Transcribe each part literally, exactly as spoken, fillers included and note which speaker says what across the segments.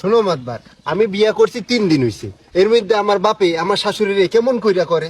Speaker 1: শোনো মাতবার, আমি বিয়া করছি তিন দিন হইছে, এর মধ্যে আমার বাপে আমার শাশুড়িরে কেমন কইরা করে।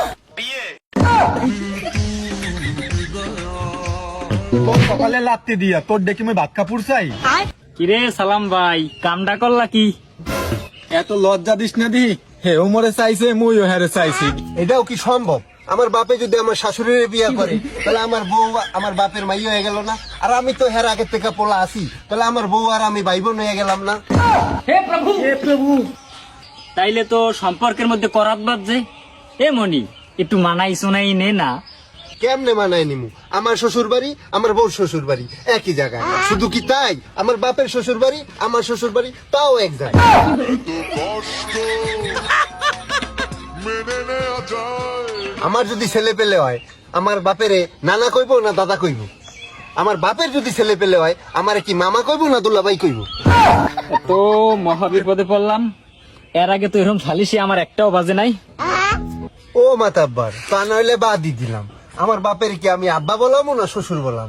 Speaker 2: তোর সকালে লাত্তি দিয়া তোর ডেকে আমি ভাত কাপুর চাই।
Speaker 3: কিরে সালাম ভাই, কামডা করলা কি?
Speaker 2: এত লজ্জা দিস না দি, হে উমরে চাইছে মুইও হেরে চাইছি।
Speaker 1: এটাও কি সম্ভব? আমার বাপে যদি আমার শাশুড়িরে বিয়া করে তাহলে আমার বউ আমার বাপের মাই হয়ে গেল না? আর আমি তো হের আগের থেকে পোলা আছি, তাহলে আমার বউ আর আমি ভাই বোন হয়ে গেলাম না?
Speaker 3: হে প্রভু হে প্রভু, তাইলে তো সম্পর্কের মধ্যে করাত বাজছে। এ মনি, একটু মানাই শোনাই নে না।
Speaker 1: কেমনে মানায় নিমু? আমার শ্বশুর বাড়ি আমার বউর শ্বশুর বাড়ি একই জায়গায়, শুধু কি তাই? আমার বাপের শ্বশুর বাড়ি আমার শ্বশুর বাড়ি তাও এক জায়গায়। আমার যদি ছেলে পেলে হয় আমার বাপেরে নানা কইব না দাদা কইব? আমার বাপের যদি ছেলে পেলে হয় আমার কি মামা কইব না দুলাভাই কইব?
Speaker 3: তো মহাবিপদে পড়লাম। এর আগে তো এরকম সালিশি আমার একটাও বাজে নাই।
Speaker 1: ও মাতাব্বার, তা নইলে বাদই দিলাম। আমার বাপের কি আমি আব্বা বলাম না শ্বশুর বলাম?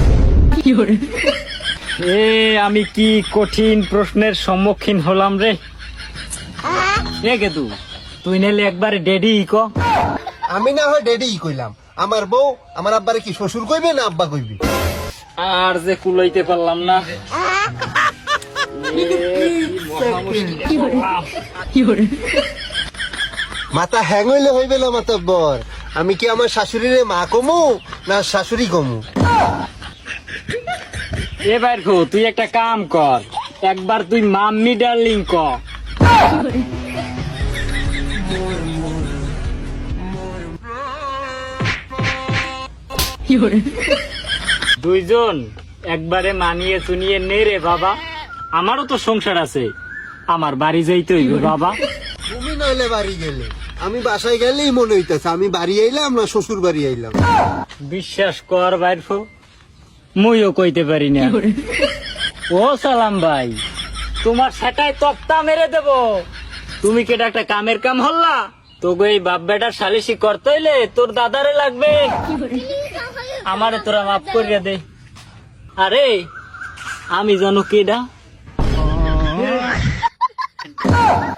Speaker 3: এ আমি কি কঠিন প্রশ্নের সম্মুখীন হলাম রে। এ গেদু, তুই নেলে একবারে ডেডি ক।
Speaker 1: আমি না হয় ডেডি কইলাম, আমার বউ আমার আব্বারে কি শ্বশুর কইবে না আব্বা কইবে?
Speaker 3: আর যে কুলাইতে পারলাম না।
Speaker 1: মাথা হ্যাং হইলে হইবে না মাতাব্বর। আমি কি আমার শাশুড়িরে মা কমু না শাশুড়ি কমু?
Speaker 3: এবার খো তুই একটা কাম কর, একবার তুই মাম্মি ডার্লিং ক। দুইজন একবারে মানিয়ে চুনিয়ে নে রে বাবা। আমারও তো সংসার আছে, আমার বাড়ি যাইতে হইবে বাবা।
Speaker 1: তুমি নইলে বাড়ি গেলে, আমি বাসায় গেলেই মনে হইতেছে আমি বাড়ি আইলাম না শ্বশুর বাড়ি আইলাম।
Speaker 3: বিশ্বাস কর বাইরফো, মুইও কইতে পারি না। ও সালাম ভাই, তোমার সেটাই তক্তা মেরে দেব। তুমি কেটা একটা কামের কাম হল্লা, তোকে এই বাপ বেটার সালিশি করতে হইলে তোর দাদারে লাগবে। আমারে তোরা মাফ করিয়া দে। আরে আমি জানো কেডা?